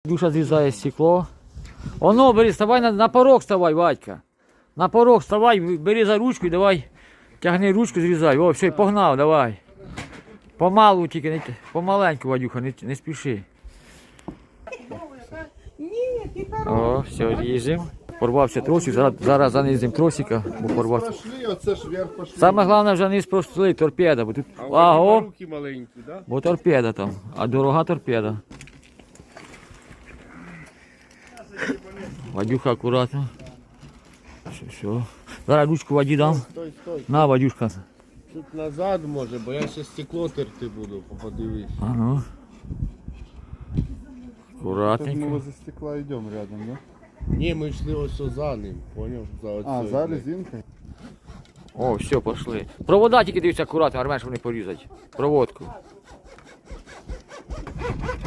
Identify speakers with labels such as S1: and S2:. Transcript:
S1: Душа зрізає стекло. Оно, бери, вставай на порог вставай, Вадька. На порог вставай, бери за ручку і давай. Тягни ручку, зрізай. О, все, погнав, давай. Помалу тільки, помаленьку, Вадюха, не спіши. О, все, ріжемо. Порвався тросик, зараз занизимо тросика, бо порвався. Саме головне вже низ простили, торпеда. Бо тут,
S2: руки маленькі, да?
S1: Бо торпеда там, а дорога торпеда. Вадюха акуратно. Все. Зараз ручку Ваді дам.
S2: Стой, стой.
S1: На, Вадюшка.
S2: Тут назад може, бо я ще стекло терти буду, подивись.
S1: А ну.
S3: Мы
S1: Аккуратненько.
S3: возле стекла идем рядом, да?
S2: Ні, ми йшли ось за ним, поняв? За
S3: А,
S2: оцею,
S3: за
S2: блядь.
S3: резинкой?
S1: О, все, пошли. Провода тільки дивіться акуратно, армеш, вони порізать. Проводку.